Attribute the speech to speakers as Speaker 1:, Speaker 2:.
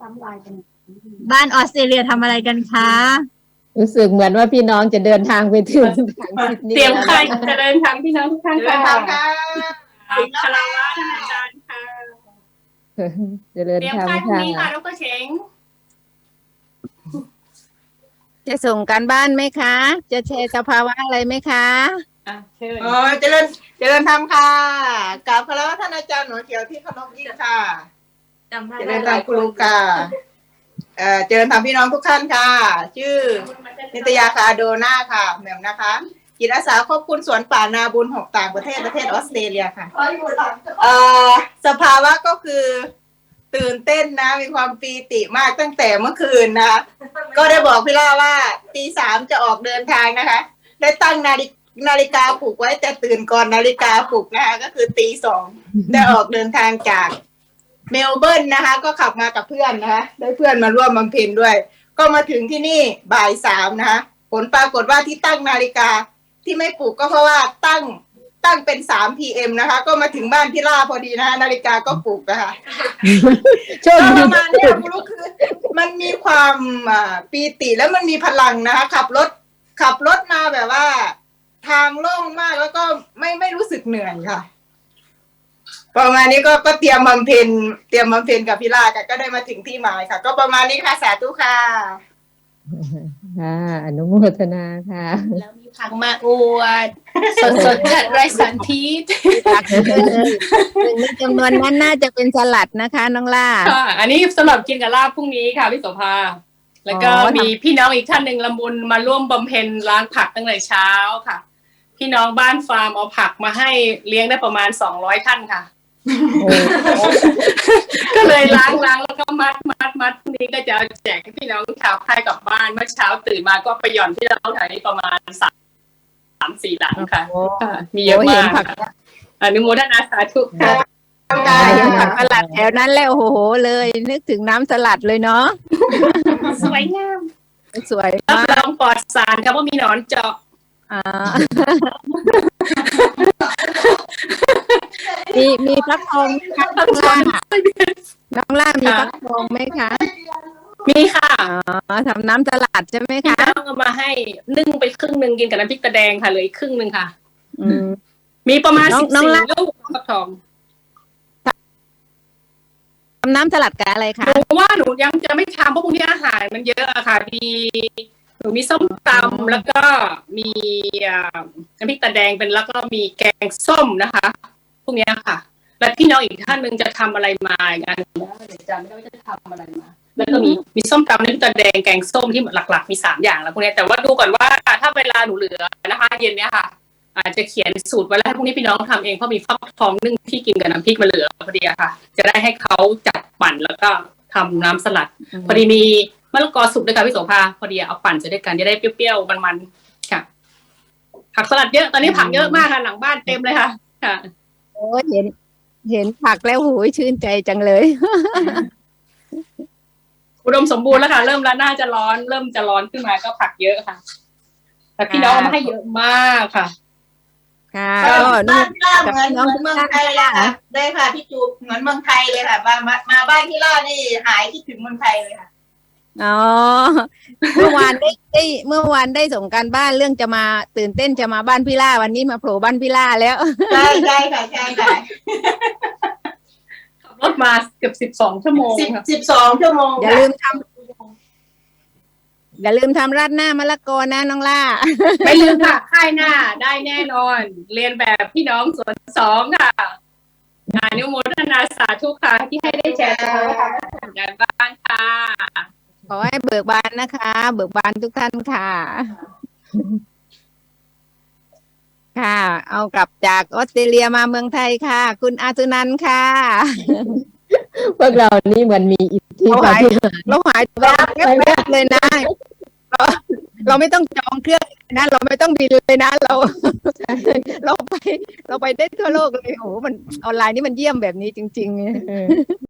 Speaker 1: บ้านออสเตรเลียทำอะไรกันคะ
Speaker 2: รู้สึกเหมือนว่าพี่น้องจะเดินทางไปถึงทางซิดนีย์
Speaker 3: เตรียม
Speaker 2: แล้ว
Speaker 3: ใคร
Speaker 2: นะ
Speaker 3: จะเดินทางพี่น้องทุกท่าน
Speaker 4: เดิน
Speaker 3: ค่ะ
Speaker 4: ทางค่ะ
Speaker 3: คาราวะท่านอาจารย์ค่ะ
Speaker 2: จะเดิน
Speaker 3: เตรียม
Speaker 2: ทาง
Speaker 3: ใครพรุ่ง
Speaker 2: ค่ะ
Speaker 3: นี้ค่ะดรเฉง
Speaker 1: จะส่งการบ้านไหมคะ จะแชร์สภาวะอะไรไหมคะ
Speaker 3: เชิญ
Speaker 4: อ๋อเจริญธรรมค่ะกราบคารวะท่านอาจารย์หนูเขียวที่เคารพยิ่งค่ะเจริญธรรมครูค่ะเจริญธรรมพี่น้องทุกท่านค่ะ ชื่อนิตยาคาโดนาค่ะแหม่มนะคะจิตอาสาควบคุมสวนป่านาบุญ6ต่างประเทศออสเตรเลียค่ะสภาวะก็คือตื่นเต้นนะมีความปีติมากตั้งแต่เมื่อคืนนะคะก็ได้บอกพี่ล่าว่าตี 3จะออกเดินทางนะคะได้ตั้งนาฬิกาปลุกไว้แต่ตื่นก่อนนาฬิกาปลุกนะคะก็คือตี 2ได้ออกเดินทางจากเมลเบิร์นนะคะก็ขับมากับเพื่อนนะคะได้เพื่อนมาร่วมบำเพ็ญด้วยก็มาถึงที่นี่บ่าย 3นะคะผลปรากฏว่าที่ตั้งนาฬิกาที่ไม่ปลุกก็เพราะว่าตั้งเป็น3 PM นะคะก็มาถึงบ้านพี่ล่าพอดีนะคะนาฬิกาก็ปลุกนะคะ
Speaker 2: โชค
Speaker 4: ก็
Speaker 2: ดี
Speaker 4: ประมาณนี้คุณลูกคือมันมีความปีติแล้วมันมีพลังนะคะขับรถมาแบบว่าทางโล่งมากแล้วก็ไม่รู้สึกเหนื่อยค่ะประมาณนี้ก็เตรียมบำเพ็ญกับพี่ลาก็ได้มาถึงที่หมายค่ะ ก็ประมาณนี้ค่ะสาธุค่ะ
Speaker 2: ค่ะอนุโมทนาค่ะ
Speaker 3: แล้วมีผักมาอวดสดๆจากไร่สันพิษ
Speaker 1: ผักหนึ่งในจำนวนนั้นน่าจะเป็นสลัดนะคะน้องล่า
Speaker 3: ค่ะอันนี้สำหรับกินกับลาบพรุ่งนี้ค่ะพี่โสภาแล้วก็
Speaker 1: อ๋อ
Speaker 3: มีพี่น้องอีกท่านหนึ่งละมุนมาร่วมบำเพ็ญล้างผักตั้งแต่เช้าค่ะ พี่น้องบ้านฟาร์มเอาผักมาให้เลี้ยงได้ประมาณ200ท่านค่ะ ก็เลยล้างแล้วก็มัดพรุ่งนี้ก็จะแจกให้พี่น้องชาวไทยกลับบ้านเมื่อเช้าตื่นมาก็ไปหย่อนที่เราแถวนี้ประมาณ3-4 หลังค่ะ
Speaker 1: โอ้
Speaker 3: มีเยอะ
Speaker 1: โอ้เห็
Speaker 3: มาน ก
Speaker 1: ผัก
Speaker 3: อนุโมทนาสาธุค่ะ
Speaker 1: เห็นผักสลัดแถวนั้นแล้วโอ้โหเลยนึกถึงน้ำสลัดเลยเนาะ
Speaker 3: สวยงาม
Speaker 1: สวย
Speaker 3: รับ
Speaker 1: มาก
Speaker 3: รองปลอดสารครับว่ามีหนอนเจาะ
Speaker 1: อ่า มีฟักทองไหมคะน้องล่าน้องล่ามีฟักทองไหมคะ
Speaker 3: มีค่ะ
Speaker 1: อ๋อทำน้ำสลัดใช่ไหม
Speaker 3: พี่
Speaker 1: คะ
Speaker 3: น้องเอามาให้นึ่งไปครึ่งหนึ่งกินกับน้ำพริกตะแดงค่ะเหลยครึ่งหนึ่งค่ะ
Speaker 1: อืม
Speaker 3: มีประมาณ
Speaker 1: น้อง
Speaker 3: 14 ลูกฟักทอง
Speaker 1: ทำน้ำสลัดกับอะไรคะ
Speaker 3: หนูว่าหนูยังจะไม่ทำเพราะพวกนี้อาหารมันเยอะอะค่ะหนูมีส้มตำแล้วก็มีน้ำพริกตาแดงเป็นแล้วก็มีแกงส้มนะคะพวกนี้ค่ะ และพี่น้องอีกท่านหนึ่งจะทำอะไรมาอีกอันหนึ่งนะเดี๋ยวจำไม่ได้ว่าจะทำอะไรมา แล้วก็มีส้มตำน้ำพริกตาแดงแกงส้มที่หลักๆมี3 อย่างแล้วพวกนี้แต่ว่าดูก่อนว่าถ้าเวลาหนูเหลือนะคะ เย็นเนี้ยค่ะ อาจจะเขียนสูตรไว้แล้วให้พวกนี้พี่น้องทำเองเพราะมีฟักทองนึ่งที่กินกับน้ำพริกมาเหลือพอดีอะค่ะ จะได้ให้เขาจัดปั่นแล้วก็ทำน้ำสลัด พอดีมีมะละกอสุกด้วยค่ะพี่โสภาพอดีเอาปั่นจะได้กันจะได้เปรี้ยวๆมันๆค่ะ ผักสลัดเยอะตอนนี้ผักเยอะมากค่ะหลังบ้านเต็มเลยค่ะค่ะ
Speaker 1: โอ้เห็นผักแล้วหูยชื่นใจจังเลย
Speaker 3: อุดมสมบูรณ์แล้วค่ะ เริ่มแล้วน่าจะร้อนเริ่มจะร้อนขึ้นมาก็ผักเยอะค่ะ แต่พี่น้องเอามาให้เยอะมากค่ะ
Speaker 1: ค่ะ
Speaker 4: บ้าน
Speaker 1: ก็
Speaker 4: พี่ล่าเหมือนเมืองไทยเลยค่ะได้ค่ะพี่จูบเหมือนเมืองไทยเลยค่ะมาบ้านพี่ล่านี่หายคิดถึงเมืองไทยเลยค่ะ
Speaker 1: อ๋อเมื่อวานได้ส่งการบ้านเรื่องจะมาตื่นเต้นจะมาบ้านพี่ล่าวันนี้มาโผล่บ้านพี่ล่าแล้ว
Speaker 4: ใช่ค่ะใช่ค่ะ
Speaker 3: ขับรถมาเกือบ12 ชั่วโมงค่ะ
Speaker 4: 12 ชั่วโมง
Speaker 1: อย่าลืมทำราดหน้ามะละกอนะน้องล่า
Speaker 3: ไม่ลืมค่ะค่ายหน้าได้แน่นอน เรียนแบบพี่น้องสวน2ค่ะอนุโมทนาสาธุค่ะที่ให้ได้แชร์กันกันบ้างค่ะ
Speaker 1: ขอให้เบิกบานนะคะ เบิกบานทุกท่านค่ะ ค่ะ เอากลับจากออสเตรเลียมาเมืองไทยค่ะ คุณอาสุนันท์ค่ะ
Speaker 2: พวกเรานี่มันมีอิทธิปาฏิหาริย์
Speaker 1: เราหายไปแวบเลยนะ เราไม่ต้องจองเครื่องนะเราไม่ต้องบินเลยนะเราไปได้ทั่วโลกเลยโอ้โหมันออนไลน์นี่มันเยี่ยมแบบนี้จริงๆ